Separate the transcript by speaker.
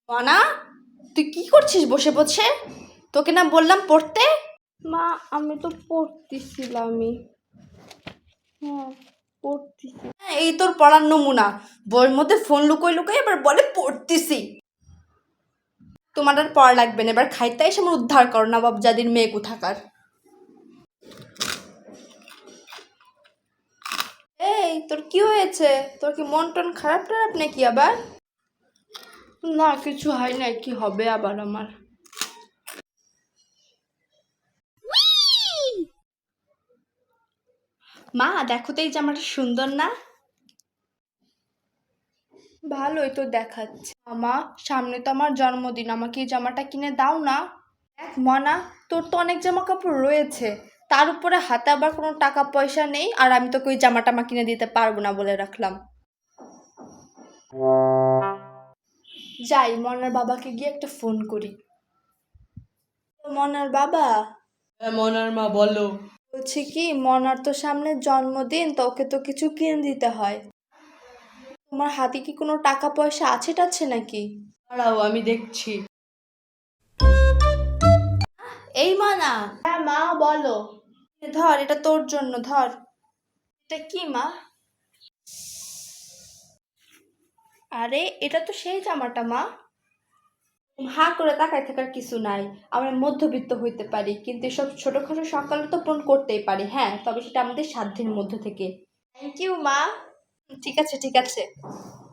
Speaker 1: মনা, তুই কি করছিস বসে বসে? তোকে না বললাম পড়তে।
Speaker 2: মা, আমি তো পড়তেছিলামই। হ্যাঁ, পড়তেছি।
Speaker 1: এই তোর পড়ার নমুনা, বইয়ের মধ্যে ফোন লুকোই লুকোই এবার বলে পড়তেছি। তোমার আর পড়া লাগবে না, এবার খাইতে এসে আমার উদ্ধার করো না বাবজাদির মেয়ে কোথাকার। এই তোর কি হয়েছে? তোর কি মন টন খারাপ টারাপ নাকি আবার?
Speaker 2: না, কিছু হয় না, কি হবে আবার আমার?
Speaker 1: মা দেখো তো এই জামাটা সুন্দর না?
Speaker 2: ভালোই তো দেখাচ্ছে। মামা, সামনে তো আমার জন্মদিন, আমাকে এই জামাটা কিনে দাও না।
Speaker 1: দেখ মনা, তোর তো অনেক জামা কাপড় রয়েছে, তার উপরে হাতে আবার কোনো টাকা পয়সা নেই, আর আমি তোকে ওই জামাটা কিনে দিতে পারবো না বলে রাখলাম। যাই মনার বাবাকে গিয়ে একটা ফোন করি। মনার বাবা,
Speaker 2: মনার মা, বলো।
Speaker 1: বলছি কি, মনার তো সামনে জন্মদিন, তো ওকে তো কিছু কিনে দিতে হয়। তোমার হাতে কি কোনো টাকা পয়সা আছে টাছে নাকি?
Speaker 2: দাঁড়াও, আমি দেখছি।
Speaker 1: এই মনা,
Speaker 2: হ্যাঁ মা, বলো।
Speaker 1: ধর এটা তোর জন্য, ধর।
Speaker 2: এটা কি মা?
Speaker 1: আরে এটা তো সেই জামাটা মা। হা করে তাকায় থাকার কিছু নাই। আমরা মধ্যবিত্ত হইতে পারি, কিন্তু এসব ছোটখাটো সকালে তো পূরণ করতেই পারি, হ্যাঁ, তবে সেটা আমাদের সাধ্যের মধ্যে থেকে।
Speaker 2: থ্যাংক ইউ মা।
Speaker 1: ঠিক আছে ঠিক আছে।